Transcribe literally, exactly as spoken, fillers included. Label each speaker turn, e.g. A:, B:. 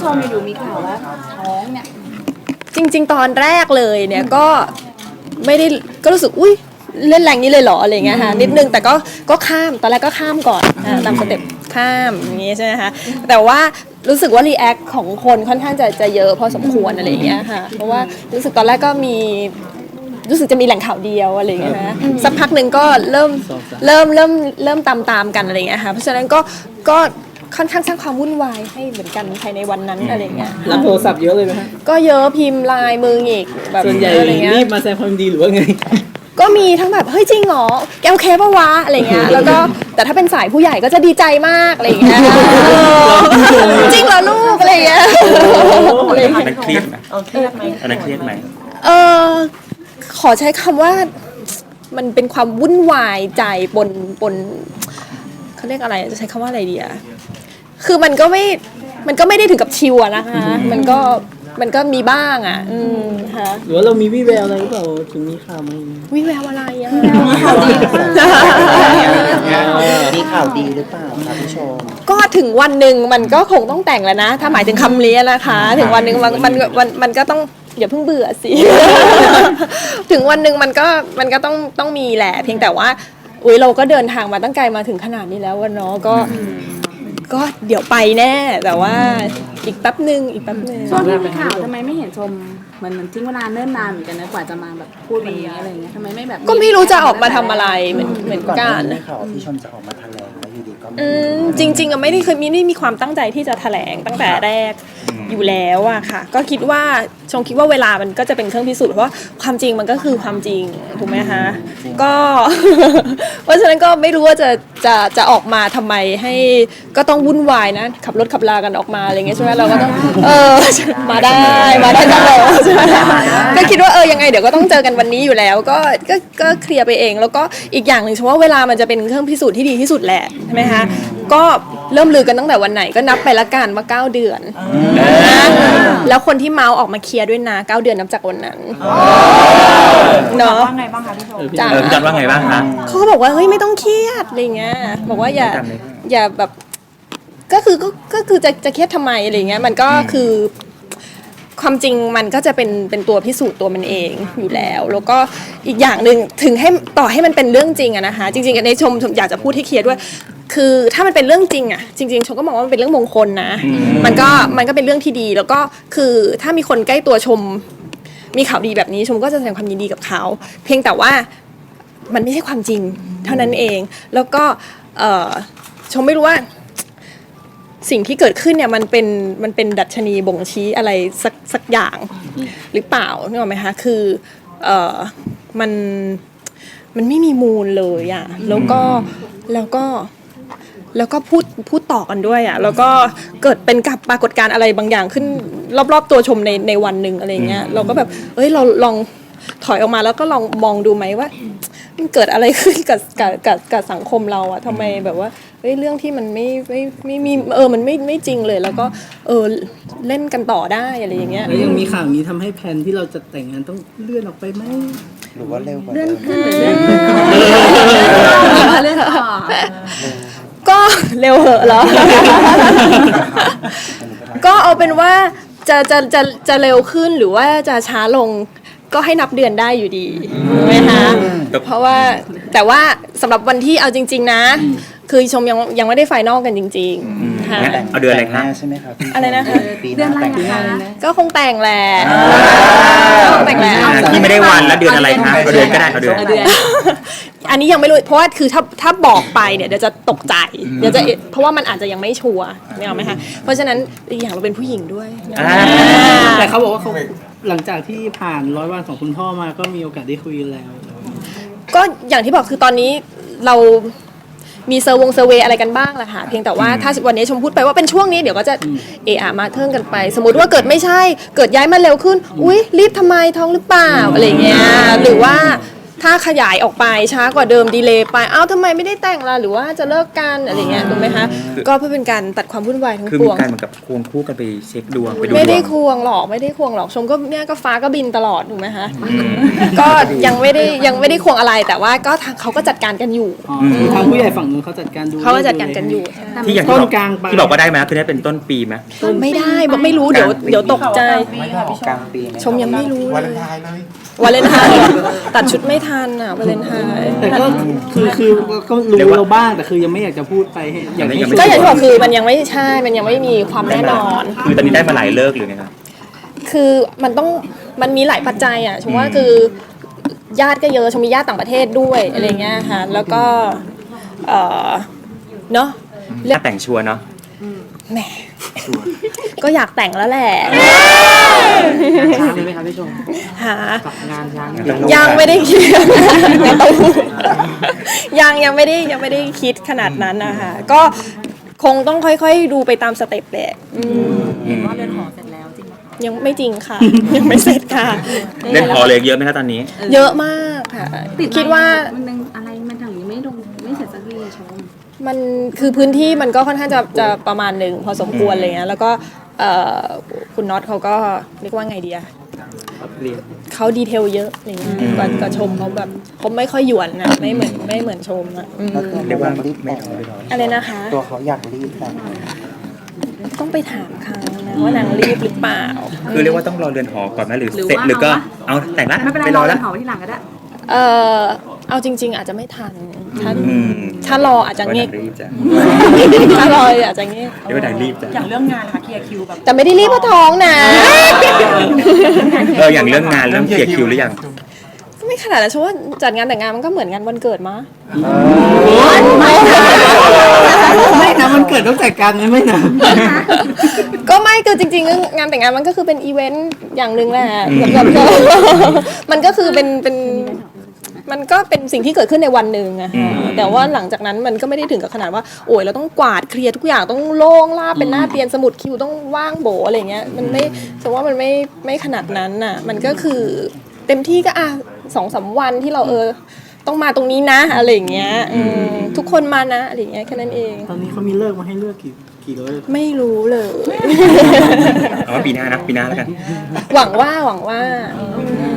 A: ชมอยู่มีข่าวว่าท้องเนี่ย
B: จริงๆตอนแรกเลยเนี่ยก็ไม่ได้ก็รู้สึกอุ้ยเล่นแรงนี้เลยเหรออะไรเงี้ยค่ะนิดนึงแต่ก็ก็ข้ามตอนแรกก็ข้ามก่อนตามสเต็ปข้ามอย่างงี้ใช่ไหมคะแต่ว่ารู้สึกว่ารีแอคของคนค่อนข้างจะจะเยอะพอสมควรอะไรเงี้ยค่ะเพราะว่ารู้สึกตอนแรกก็มีรู้สึกจะมีแหล่งข่าวเดียวอะไรเงี้ยนะสักพักหนึ่งก็เริ่มเริ่มเริ่มเริ่มตามตามกันอะไรเงี้ยค่ะเพราะฉะนั้นก็ก็ค่อนข้างสร้างความวุ่นวายให้เหมือนกันภายในวันนั้นอะไรเงี้ย
C: รับโทรศัพท์เยอะเลยไหมฮะ
B: ก็เยอะพิมพ์ไลน์มืออีกแบบ
C: ส่วนใหญ่รีบมาแสดงความดีหรือว่าไง
B: ก็มีทั้งแบบเฮ้ยจริงเหรอแกโอเคปะวะอะไรเงี้ยแล้วก็แต่ถ้าเป็นสายผู้ใหญ่ก็จะดีใจมากอะไรเงี้ยจริงเหรอลูกอะไรเงี้ย
D: อันนั้นเครียดไหมเครียดไหมอันนั้นเครียดไหม
B: เออขอใช้คำว่ามันเป็นความวุ่นวายใจปนปนเขาเรียกอะไรจะใช้คำว่าอะไรดีอะคือมันก็ไม่มันก็ไม่ได้ถึงกับชิวอะนะคะมันก็มันก็มีบ้างอ่ะอืมค่ะ
C: หรือว่าเรามีวิแววอะไรหรือเปล่าถึงมีข่าวมา
B: วิแววอะไรอ่ะ
A: มีข่าวดีหรือเปล่า
E: มีข่าวดีหรือเปล่าครับพี่ชม
B: ก็ถึงวันหนึ่งมันก็คงต้องแต่งแล้วนะถ้าหมายถึงคำนี้นะคะถึงวันหนึ่งมันมันมันมันก็ต้องอย่าเพิ่งเบื่อสิ ถึงวันหนึ่งมันก็มันก็ต้องต้องมีแหละเพียงแต่ว่าอุ้ยเราก็เดินทางมาตั้งไกลมาถึงขนาดนี้แล้ววันเนาะก็ก็เดี๋ยวไปแน่แต่ว่าอีกแป๊บหนึ่งอีกแป๊บหนึ่ง
A: ช่วงที่มีข่าวทำไมไม่เห็นชมเหมือนมันทิ้งเวลาเนิ่นนานเหมือนกันนะกว่าจะมาแบบพูดวันนี้อะไรเงี้ยทำไมไม่แบบ
B: ก็ไม่รู้จะออกมาทำอะไรเหมือนเหมือนกัน
E: มีข่าวพี่ชมจะออกมาแถลงแล้วอยู่ดีก็
B: อืมจริงๆอะไม่ได้เคยมีไม่มีความตั้งใจที่จะแถลงตั้งแต่แรกอยู่แล้วอะค่ะก็คิดว่าชงคิดว่าเวลามันก็จะเป็นเครื่องพิสูจน์เพราะว่าความจริงมันก็คือความจริงถูกไหมคะก็ เพราะฉะนั้นก็ไม่รู้ว่าจะจะจะออกมาทำไมให้ก็ต้องวุ่นวายนะขับรถขับลากันออกมาอะไรเงี้ยใช่ไหมเราก็ต้องเออมาได้มาได้ตลอดใช่ไหมก็คิดว่าเออยังไงเดี๋ยวก็ต้องเจอกันวันนี้อยู่แล้วก็ก็ก็เคลียร์ไปเองแล้วก็อีกอย่างหนึ่งเฉพาะเวลามันจะเป็นเครื่องพิสูจน์ที่ดีที่สุดแหละใช่ไหมคะก็เริ่มลือกันตั้งแต่วันไหนก็นับไปละกันว่าเก้าเดือนแล้วคนที่เมาส์ออกมาเคลียร์ด้วยนะเก้าเดือนนับจากวันนั้นเนาะ
A: ว่าไงบ้างคะพี่ชม
D: เออจัดว่าไงบ้างคะ
B: เขาก็บอกว่าเฮ้ยไม่ต้องเครียดอะไรเงี้ยบอกว่าอย่าอย่าแบบก็คือก็ก็คือจะจะเครียดทำไมอะไรเงี้ยมันก็คือความจริงมันก็จะเป็นเป็นตัวพิสูจน์ตัวมันเองอยู่แล้วแล้วก็อีกอย่างหนึ่งถึงให้ต่อให้มันเป็นเรื่องจริงอะนะคะจริงๆในชมชมอยากจะพูดให้เคลียร์ด้วยคือถ้ามันเป็นเรื่องจริงอะจริงๆชมก็มองว่ามันเป็นเรื่องมงคลนะมันก็มันก็เป็นเรื่องที่ดีแล้วก็คือถ้ามีคนใกล้ตัวชมมีข่าวดีแบบนี้ชมก็จะแสดงความยินดีกับเขาเพียงแต่ว่ามันไม่ใช่ความจริงเท่านั้นเองแล้วก็ชมไม่รู้ว่าสิ่งที่เกิดขึ้นเนี่ยมันเป็นมันเป็นดัชนีบ่งชี้อะไรสักสักอย่างหรือเปล่านึกออกไหมคะคือเอ่อมันมันไม่มีมูลเลยอ่ะแล้วก็แล้วก็แล้วก็พูดพูดต่อกันด้วยอ่ะแล้วก็เกิดเป็นกับปรากฏการณ์อะไรบางอย่างขึ้นรอบๆตัวชมในในวันหนึ่งอะไรเงี้ยเราก็แบบเอ้ยเราลองถอยออกมาแล้วก็ลองมองดูไหมว่ามันเกิดอะไรขึ้นกับกับกับกับสังคมเราอะทำไมแบบว่าเฮ้ยเรื่องที่มันไม่ไม่ไม่มีเออมันไม่ไม่จริงเลยแล้วก็เออเล่นกันต่อได้อะไรอย่างเงี้ย
C: แล้วยังมีข่าวนี้ทำให้แผนที่เราจะแต่งงานต้องเลื่อนออกไปไหม
E: หรือว่าเร็วกว่า
A: เลื่อนขึ้นหรือ
B: เลื่อนก็เร็วเหอะเหรอก็เอาเป็นว่าจะจะจะจะเร็วขึ้นหรือว่าจะช้าลงก็ให้นับเดือนได้อยู่ดีถูกไหมคะเพราะว่าแต่ว่าสำหรับวันที่เอาจริงๆนะคือชมยังยังไม่ได้ไฟนอลกันจริงๆค่ะ
D: เอาเดือนอะไรคะ
E: ใช่ไหมครับ
B: อะไรนะคะ
A: เดือนอะไรคะ
B: ก็คงแต่งแหละแต่งแหละ
D: ที่ไม่ได้วันแล้วเดือนอะไรคะเอาเดือนก็ได้เอาเดือน
B: อันนี้ยังไม่รู้เพราะว่าคือถ้าถ้าบอกไปเนี่ยเดี๋ยวจะตกใจเดี๋ยวจะเพราะว่ามันอาจจะยังไม่ชัวร์เนี่ยหรอไหมคะเพราะฉะนั้นอีกอย่างเราเป็นผู้หญิงด้วย
C: แต่เขาบอกว่าเขาหลังจากที่ผ่านร้อยวันของคุณพ่อมาก็มีโอกาสได้คุยแล้ว
B: ก็อย่างที่บอกคือตอนนี้เรามีเซอร์วงเซอร์เวย์อะไรกันบ้างแหละค่ะเพียงแต่ว่าถ้าวันนี้ชมพูดไปว่าเป็นช่วงนี้เดี๋ยวก็จะเอะอะมาเทิงกันไปสมมติว่าเกิดไม่ใช่เกิดย้ายมาเร็วขึ้นอุ๊ยรีบทำไมท้องหรือเปล่าอะไรเงี้ยหรือว่าถ้าขยายออกไปช้ากว่าเดิมดีเลย์ไปอ้าวทำไมไม่ได้แต่งล่ะหรือว่าจะเลิกกันอะไรเงี้ยถูกไหมคะก็เพื่อเป็นการตัดความวุ่นวายทั้ง
D: คือ
B: ป
D: มี
B: วง
D: การเหมือนกับควงคู่กันไปเช็คดวงไปดูด
B: ไม่ได้
D: วง
B: ควงหรอกไม่ได้ควงหรอกชมก็เนี่ยก็ฟ้าก็บินตลอดถูกไหมคะก็ยังไม่ได้ยังไม่ได้ควงอะไรแต่ว่าก็ทางเขาก็จัดการกันอยู่
C: อ๋อคือทางผู้ใหญ่ฝั่งนู้นเขาจัดการดู
B: เขาก็จัดการกันอยู่
D: ที่อย่าง
C: ต้
D: ที่
C: น
D: บอก
C: กลางปลาย
D: ที่บอกว่าได้ไหมคือได้เป็นต้นปีไหม
B: ไม่ได้บอกไม่รู้เดี๋ยวเดี๋ยวตกใจ
E: ไม่ได้ออกกลางปีไห
B: ชมยังไม่รู้
F: วา
B: เล
F: เลย นไทน์เลย
B: วาเลนไทน์ตัดชุดไม่ทันอ่ะวาเลนไทน์
C: แต่ก็คือคือก็รู้เราบ้างแต่คือยังไม่อยากจะพูดไปให้อย่างที่
B: ก็อย่างที่บอกคือมันยังไม่ใช่มันยังไม่มีความแน่นอน
D: คือตอนนี้ได้มาหลายเลิกหรือไงครับ
B: คือมันต้องมันมีหลายปัจจัยอ่ะชมว่าคือญาติก็เยอะชมมีญาติต่างประเทศด้วยอะไรเงี้ยค่ะแล้วก็เออเนาะ
D: ถ้าแต่งชัวร์เนาะ
B: แหมก็อยากแต่งแล้วแหละ
C: ช้าเลยไหมครับพี่ชม
B: หา
C: กับงานช้าง
B: ยังไม่ได้คิดงานเต้าหู้ยังยังไม่ได้ยังไม่ได้คิดขนาดนั้นนะคะก็คงต้องค่อยๆดูไปตามสเต็ปแหละอืม
D: อืม
B: ยังไม่จริงค่ะ ยังไม่เสร็จค่ะ
D: เล่นพอเลยเยอะไหมครับตอนนี้
B: เยอะมากค่ะ
A: ติด
B: คิดว่า
A: มันยังอะไรมันถึงยังไม่ลงไม่เสร็จสักทีอะชม
B: มันคือพื้นที่มันก็ค่อนข้างจะจะประมาณหนึ่งพอสมควรอะไรเงี้ยแล้วก็เอ่อคุณน็อตเขาก็เรียกว่าไงดีอะเขาดีเทลเยอะอะไรเงี้ยกว่ากว่าชมเขาแบบเขาไม่ค่อยหยวนนะไม่เหมือนไม่เหมือนชมอะอืม
E: แล้วตัว
D: เรียกว่า
E: เขารีบ
D: ไม่
E: แต่งเลยเหรอ
B: อะไรนะคะ
E: ตัวเขาอยากรีบแต่ง
B: ต้องไปถามเขานะว่านางรีบหรือเปล่า
D: คือเรียกว่าต้องรอเรือนหอก่อนไหมหรือ
A: หรือ
D: เสร็จ
A: ว่า
D: หรือก็
A: เอาวะ
D: เอาแต่งละ
A: ไม่เป็นไร
D: ไป
A: ร
D: ร
A: อ
D: อ
A: แล้
D: แล้ว ว
A: เผาที่หลังก็ได้
B: เออเอาจริง ๆ อาจจะไม่ทันถ้า
D: อืม
B: ถ้ารออาจจะเงียบ
D: รีบจ้ะ
B: ถ้ารออาจจะเงียบ
D: เรียกว่าดังรีบจ้ะ
G: อย่างเรื่องงานค่ะเคลียร์คิวแบบ
B: แต่ไม่ได้รีบเพราะท้องนะ
D: เอออย่างเรื่องงานเรื่องเคลียร์คิวหรือยัง
B: ก็ไม่ขนาดนั้นเพราะว่าจัดงานแต่งงานมันก็เหมือนงานวันเกิดมะ
C: ไม่นะมันเกิดต้องจัดการนะไม่นะ
B: ก็ไม่คือจริงๆงานแต่งงานมันก็คือเป็นอีเวนต์อย่างหนึ่งแหละสำหรับมันก็คือเป็นเป็นมันก็เป็นสิ่งที่เกิดขึ้นในวันหนึ่งอะค่ะแต่ว่าหลังจากนั้นมันก็ไม่ได้ถึงกับขนาดว่าโอ้ยเราต้องกวาดเคลียร์ทุกอย่างต้องโล่งลาบเป็นหน้าเตียนสมุดคิวต้องว่างโบอะไรเงี้ยมันไม่ฉันว่ามันไม่ไม่ขนาดนั้นน่ะมันก็คือเต็มที่ก็อ่ะสองสามวันที่เราเออต้องมาตรงนี้นะอะไรอย่างเงี้ยอืมทุกคนมานะอะไรอย่างเงี้ยแค่นั้นเอง
C: ตอนนี้เขามีเลิกมาให้เลือกกี่กี่เลิก
B: ไม่รู้เลย
D: เอาว่าปีหน้านะปีหน้าแล้วกัน
B: หวังว่าหวังว่าอืม